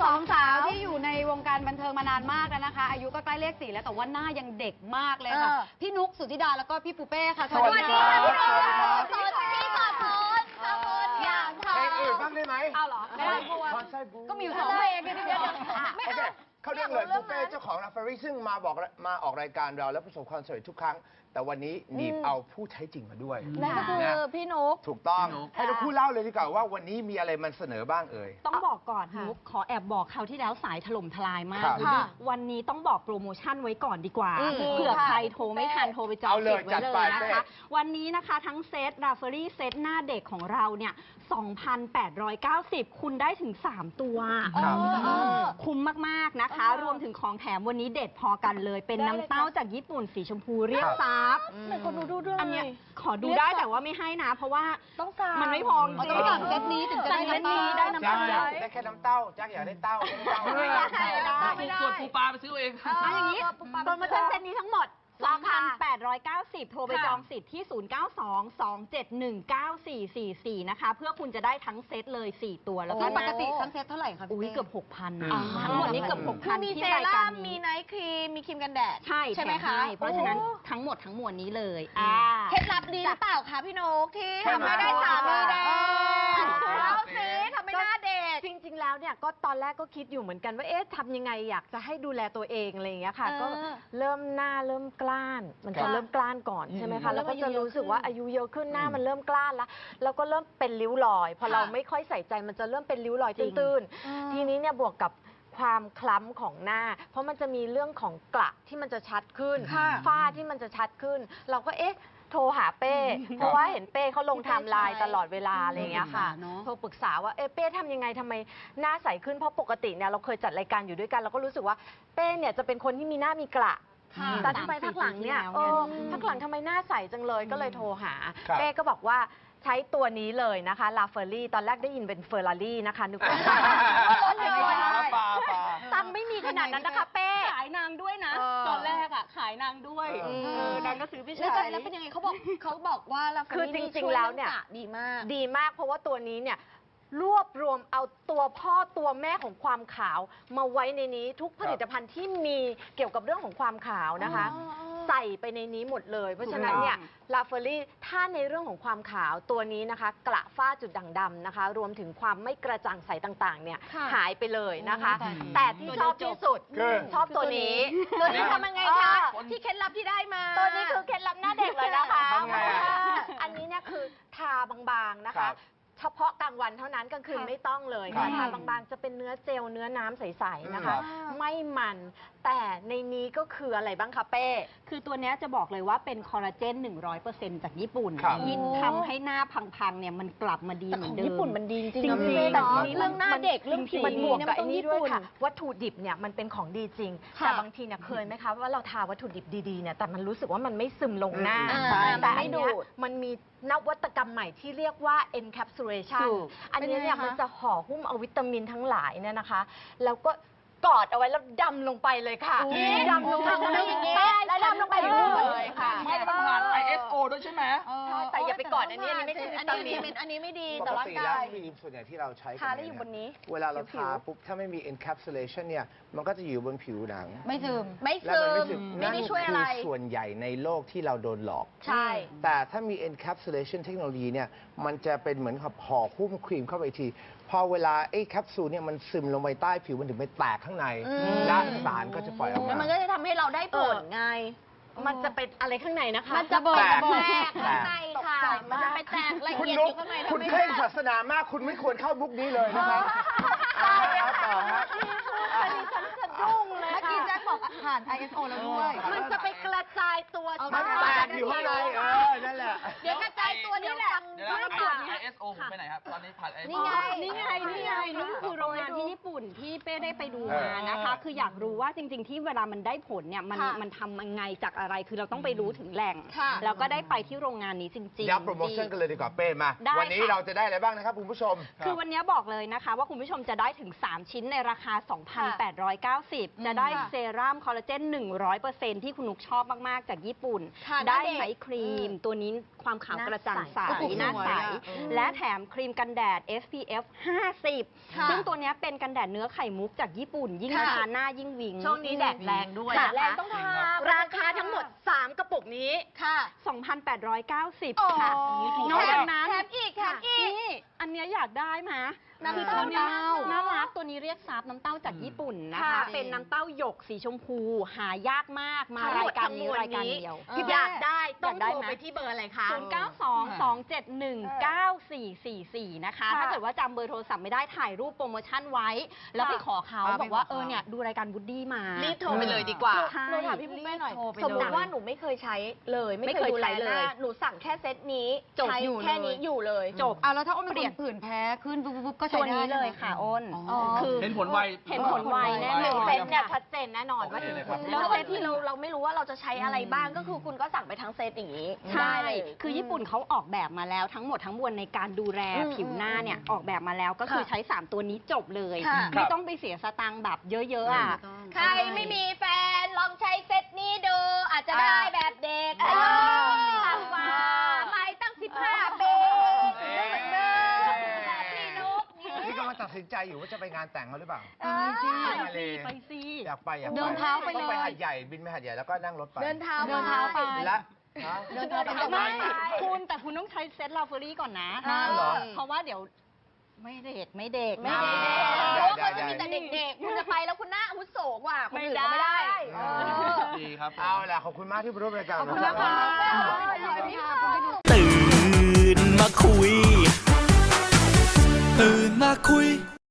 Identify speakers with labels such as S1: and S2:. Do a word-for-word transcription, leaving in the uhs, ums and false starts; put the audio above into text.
S1: สองสาวที่อยู่ในวงการบันเทิงมานานมากแล้วนะคะอายุก็ใกล้เลขสี่แล้วแต่ว่าหน้ายังเด็กมากเลยค่ะพี่นุ๊กสุธิดาแล้วก็พี่ปูเป้ค่ะ
S2: สวัสดีค่ะพี่นุ๊ก
S3: สวัสดีค่ะขอบคุณขอบคุณอย่างค่ะ
S2: เพลงอื่นบ้างได้ไหม
S1: เอาเหรอไม่ได้บัวก็มีอยู่สองเพลงเดี๋ยวเดี๋ยว
S2: โอเคเขาเรียกเลยปูเป้เจ้าของลาฟารีซึ่งมาบอกมาออกรายการเราแล้วประสบความสำเร็จทุกครั้งแต่วันนี้หนีบเอาผู้ใช้จริงมาด้วย
S3: นั่นก็คือพี่นุ๊ก
S2: ถูกต้องให้เราพูดเล่าเลยดีกว่าว่าวันนี้มีอะไรมันเสนอบ้างเอ่ย
S4: ต้องบอกก่อนนุ๊กขอแอบบอกเขาที่แล้วสายถล่มทลายมากวันนี้ต้องบอกโปรโมชั่นไว้ก่อนดีกว่าเผื่อใครโทรไม่ทันโทรไปจองสิทธิ์ไว้เลยนะคะวันนี้นะคะทั้งเซตราฟารีเซตหน้าเด็กของเราเนี่ย สองพันแปดร้อยเก้าสิบ คุณได้ถึงสามตัวคุ้มมากๆนะคะรวมถึงของแถมวันนี้เด็ดพอกันเลยเป็นน้ำเต้าจากญี่ปุ่นสีชมพูเรียกซับ
S3: คนดูดูด้วย
S4: อันนี้ขอดูได้แต่ว่าไม่ให้นะเพราะว่า
S3: ต้องสั่ง
S4: มันไม่พอจริง
S1: ต้องสั่งเซตนี้ถึงจะได้น้ำเต้า
S4: ได้น้ำเต้า
S2: ได้แค่น้ำเต้าจักอยากได้เต้า
S4: ไม่ได้
S5: ไม่ได้ส่วนปูปลาไปซื้อเอง
S4: อันอย่างนี้โปรโมชั่นเซตนี้ทั้งหมดสองพันแปดร้อยเก้าสิบ โทรไปจองสิทธิ์ที่ ศูนย์ เก้า สอง สอง เจ็ด หนึ่ง เก้า สี่ สี่ สี่ นะคะเพื่อคุณจะได้ทั้งเซตเลยสี่ตัวแล้วก็
S1: ปกติทั้งเซตเท่าไหร่คะ
S4: อุ้ยเกือบ หกพัน ทั้งหมดนี้เกือบ หกพัน
S3: มีเซรั่มมีไนท์ครีมมีครีมกันแดด
S4: ใช่ใช่ไหมคะเพราะฉะนั้นทั้งหมดทั้งมวลนี้เลย
S3: เคล็ดลับดีหรือเปล่าคะพี่นกที่ทำให้ได้สามีแดงเอาสิทำให้หน้าเด็ก
S4: จริงๆแล้วเนี่ยก็ตอนแรกก็คิดอยู่เหมือนกันว่าเอ๊ะทำยังไงอยากจะให้ดูแลตัวเองอะไรอย่างเงี้ยค่ะก็เริ่มหน้าเริ่มกล้านมันจะเริ่มกล้านก่อนใช่ไหมคะแล้วก็จะรู้สึกว่าอายุเยอะขึ้นหน้ามันเริ่มกล้านแล้วแล้วก็เริ่มเป็นริ้วรอยพอเราไม่ค่อยใส่ใจมันจะเริ่มเป็นริ้วรอยตื้นๆทีนี้เนี่ยบวกกับความคล้ำของหน้าเพราะมันจะมีเรื่องของกระที่มันจะชัดขึ้นฝ้าที่มันจะชัดขึ้นเราก็เอ๊ะโทรหาเป้เพราะว่าเห็นเป้เขาลงไทม์ไลน์ตลอดเวลาอะไรอย่างเงี้ยค่ะโทรปรึกษาว่าเอ๊ะเป้ทำยังไงทำไมหน้าใสขึ้นเพราะปกติเนี่ยเราเคยจัดรายการอยู่ด้วยกันเราก็รู้สึกว่าเป้เนี่ยจะเป็นคนที่มีหน้ามีกระแต่ทำไมพักหลังเนี่ยพักหลังทำไมหน้าใสจังเลยก็เลยโทรหาเป้ก็บอกว่าใช้ตัวนี้เลยนะคะลาเฟอรี่ตอนแรกได้ยินเป็นเฟอร์รารี่นะคะนึกว่าตังไม่มีขนาดนั้นนะคะเป้ขายนางด้วยนะตอนแรกอ่ะขายนางด้วยนางก็ซื้อพี่ชาย
S3: แล้วเป็นยังไงเขาบอกเขาบอกว่าลาเฟอรี่
S4: คือจริงๆแล้วเนี่ย
S3: ดีมาก
S4: ดีมากเพราะว่าตัวนี้เนี่ยรวบรวมเอาตัวพ่อตัวแม่ของความขาวมาไว้ในนี้ทุกผลิตภัณฑ์ที่มีเกี่ยวกับเรื่องของความขาวนะคะใส่ไปในนี้หมดเลยเพราะฉะนั้นเนี่ยลาเฟอรี่ถ้าในเรื่องของความขาวตัวนี้นะคะกระฝ้าจุดด่างดำนะคะรวมถึงความไม่กระจ่างใสต่างๆเนี่ยหายไปเลยนะคะแต่ที่ชอบที่สุดชอบตัวนี้
S3: ตัวนี้ทำยังไงคะที่เคล็ดลับที่ได้มา
S4: ตัวนี้คือเคล็ดลับหน้าเด็กเลยนะคะอันนี้เนี่ยคือทาบางๆนะคะเฉพาะกลางวันเท่านั้นกลางคืนไม่ต้องเลยค่ะทาบางๆจะเป็นเนื้อเจลเนื้อน้ำใสๆนะคะไม่มันแต่ในนี้ก็คืออะไรบ้างคะเป้คือตัวนี้จะบอกเลยว่าเป็นคอลลาเจน หนึ่งร้อยเปอร์เซ็นต์ จากญี่ปุ่นที่ทำให้หน้าพังๆเนี่ยมันกลับมาดีเหมือนเดิม
S3: ญี่ปุ่นมันดีจริงๆนะ
S4: พี่
S3: เป้
S4: แต่
S3: เรื่องหน้าเด็กเรื่องผิว
S4: มันบวกกับไอ้นี่ด้วยค่ะวัตถุดิบเนี่ยมันเป็นของดีจริงแต่บางทีเนี่ยเคยไหมคะว่าเราทาวัตถุดิบดีๆเนี่ยแต่มันรู้สึกว่ามันไม่ซึมลงหน้าแต่อันนี้มันมีนวัตกรรมใหม่ที่เรียกว่า encapsulation อันนี้เนี่ยมันจะห่อหุ้มเอาวิตามินทั้งหลายเนี่ยนะคะแล้วก็กอดเอาไว้แล้วดำลงไปเลยค่ะดำลงไปอย่างนี้แล้วดำลงไปเลยค่ะ
S5: ไม่ต้องผ่าน ไอ เอส โอ ด้วยใช่ไหม
S4: แต่อย่าไปกอดอันนี้อันนี้ไม่ใช่วิตามิน
S3: อันนี้ไม่ดี
S2: ต่อร่างกายครีมส่วนใหญ่ที่เราใช้
S3: ทาได้อยู่บนนี้
S2: เวลาเราทาปุ๊บถ้าไม่มี encapsulation เนี่ยมันก็จะอยู่บนผิวหนัง
S1: ไม่ซึม
S3: ไม่ซึมไม่ได้ช่วยอะไร
S2: นั่นคือส่วนใหญ่ในโลกที่เราโดนหลอก
S3: ใช่
S2: แต่ถ้ามี encapsulation เทคโนโลยีเนี่ยมันจะเป็นเหมือนกับห่อหุ้มครีมเข้าไปทีพอเวลาไอ้แคปซูลเนี่ยมันซึมลงไปใต้ผิวมันถึงไปแตกข้างในและสารก็จะปล่อยออกมา
S3: มันก็จะทำให้เราได้ผลไง
S4: มันจะเป็นอะไรข้างในนะคะ
S3: มันจะเบิกแตกข้างในค่ะมันจะไปแตกละเอียดอยู่ข้างใน
S2: คุณเคร่งศาสนามากคุณไม่ควรเข้ามุกนี้เลยนะครับต่อฮะ
S4: ฉันสะดุ้งเลยค่ะ
S1: เมื่อกี้แจ็คบอกผ่าน ไอ เอส โอ แล้วด้วย
S4: มันจะไปกระจายตัว
S2: มันแตกอยู่ข้างในเออนั่นแหละ
S3: เดี๋ยวกระจายตัวนี่แหละ
S5: เดี๋ยวนะ ไอ เอส โอ ผมไปไหนครับตอนนี้ผ่าน ไอ เอส โอ
S4: นี่ไงนี่ไงนี่ไงนี่คือโรงงานที่ญี่ปุ่นที่เป้ได้ไปดูมานะคะคืออยากรู้ว่าจริงๆที่เวลามันได้ผลเนี่ยมันมันทำยังไงจากอะไรคือเราต้องไปรู้ถึงแหล่งแล้วก็ได้ไปที่โรงงานนี้จริงๆ
S2: ย้ำโปรโมชั่นกันเลยดีกว่าเป้มาวันนี้เราจะได้อะไรบ้างนะครับคุณผู้ชม
S4: คือวันนี้บอกเลยนะคะว่าคุณผู้ชมจะได้ถึงสามชิ้นในราคา สองพันแปดร้อยเก้าสิบ จะได้เซรั่มคอลลาเจน หนึ่งร้อยเปอร์เซ็นต์ ที่คุณนุกชอบมากๆจากญี่ปุ่นได้ไนท์ครีมตัวนี้
S6: ความขาวกระจ่างใส
S1: หน้าใส
S6: หน้าใส
S1: สวยอะ
S6: และแถมครีมกันแดด เอส พี เอฟ ห้าสิบ
S3: ค่ะ
S6: ซึ่งตัวเนี้ยเป็นกันแดดเนื้อไข่มุกจากญี่ปุ่น ยิ่ง
S3: ค่ะ
S6: ทาหน้ายิ่งวิง
S4: ช่วงนี้แดดแรงด้วย
S6: ค่ะ
S4: นะคะ
S3: แรงต้องทา
S6: ราคาทั้งหมด สาม กระปุกนี้
S3: ค่ะ
S6: สองพันแปดร้อยเก้าสิบ
S3: โอ้
S6: ค่ะ
S5: ถูก
S6: นอกจากนั้น
S3: แถมอีกแถมอีก
S6: นี่อันเนี้ยอยากได้ไหม
S3: น้ำ
S6: คือ
S3: เต้า
S6: ตัวเนี้ย
S3: น้ำเต้า
S6: น่ารักตัวนี้เรียกซับน้ำเต้าจากญี่ปุ่นนะคะ
S3: ค่ะ
S6: เป็นน้ำเต้าหยกสีชมพู หายากมากมา
S4: ทั้งหม
S6: รา
S4: ด
S6: ยการ
S4: ทั้ง
S6: นี้
S4: มวล
S6: รายการ
S4: นี้
S6: เดียว
S3: พี่
S4: อยากได้ต้อง
S6: อยากได้
S4: โทร
S6: ไหม
S4: ไปที่เบอร์อะไรคะ
S6: ศูนย์ เก้า สอง สอง เจ็ด หนึ่ง เก้า สี่ สี่ สี่ นะคะ
S3: ค่ะ
S6: ถ้าเกิดว่าจำเบอร์โทรศัพท์ไม่ได้ถ่ายรูปโปรโมชั่นไว้ แล้วไปขอเขา
S1: อ่า
S6: บอกว่า
S1: ไปขอ
S6: เออเนี่ยดูรายการบูดดี้มา
S4: รีบโทรไปเลยดีกว่า
S6: ใช่
S3: หนูถามพี่ปุ๊กแม่หน่อย
S4: รีบโทรไปเลย
S3: สมมติว่าหนูไม่เคยใช้เลย ไม่
S6: ไม่
S3: เค
S6: เค
S3: ย
S6: ย
S3: ดูแล
S6: ใช้
S3: ห
S6: เลย
S3: น้าหนูสั่งแค่เซตนี้
S6: จบ
S3: ใช้
S6: อยู่
S3: แค่
S6: เลย
S3: นี้อยู่เลย
S6: จบ
S1: เอาแล้วถ้าอ้นเป็น
S6: เปลี่
S1: ค
S6: ยน
S1: นผื่นแพ้ขึ้นปุ๊บปุ๊บก็ใช้
S6: ตัว
S1: ได้
S6: นี้เลย
S1: ใช่ไหม
S6: ค่ะอ้น
S1: อ๋อ
S6: คือ
S5: เห็นผลไว
S6: เห็นผลไวแน่
S3: ห
S6: น
S3: นึ่ง
S6: อน
S3: เซตเนี่ยชัดเจนแน่นอนว่า
S5: โอเคเลยครับ
S3: แล้วเซตที่เราเราไม่รู้ว่าเราจะใช้อะไรบ้างก็คือคุณก็สั่งไปทั้งเซตอย่างนี้
S6: ใช่
S3: ได้เลย
S6: คือญี่ปุ่นเขาออกแบบมาแล้วทั้งหมดทั้งมวลในการดูแล
S3: อืม
S6: ผิวหน้าเนี่ยออกแบบมาแล้วก็คือ
S3: ค่ะ
S6: ใช้ สาม ตัวนี้จบเลย
S3: ค่ะ
S6: ไม่ต้องไปเสียสตังค์แบบเยอะๆอ่ะ
S3: ใครไม่มีแฟนลองใช้เซตนี้ดู อาจจะ
S1: อ่า
S3: ได้แบบเด็ก
S1: อ่า
S3: ต่ำกว่าไม่ตั้งสิบห้าปีได้เหมือนเดิมแบบพี่นุ๊กนี่
S2: นี่กำลังตัดสินใจอยู่ว่าจะไปงานแต่งเขาหรือเปล่า
S3: เออ
S2: มาเลย
S6: ไปสิ
S2: อยากไปอยากไป
S1: เดินเท้าไปเลย
S2: ต้องไปหัดใหญ่บินไปหัดใหญ่แล้วก็นั่งรถไป
S3: เดินเท้า
S1: เดินเท้าไป
S2: และฮะ
S1: เดินเท้าไป
S6: ไม่คุณแต่คุณต้องใช้เซ็ตลาเฟอรี่ก่อนนะ
S2: อ้าวเหรอ
S6: เพราะว่าเดี๋ยวไม่เด็กไม่เด็ก
S3: ไม่ได้
S2: ได้
S3: เพราะว่า
S2: ได้
S3: เขาจะมีแต่เด็กๆ คุณจะไปแล้วคุณหน้าอาวุโสกว่าคนอื่น
S6: ไม่
S3: ก็ไม่
S6: ได้
S3: ได้เออ
S5: ดีครับ
S2: เอาล่ะขอบคุณมากที่มาร่วมรายการ
S1: ขอบคุณ
S2: นะ
S1: มาก
S2: ค
S1: ค่ะ
S2: รับ
S1: ขอบคุณค่ะขอบคุณค่ะ
S7: ตื่นมาคุย ตื่นมาคุย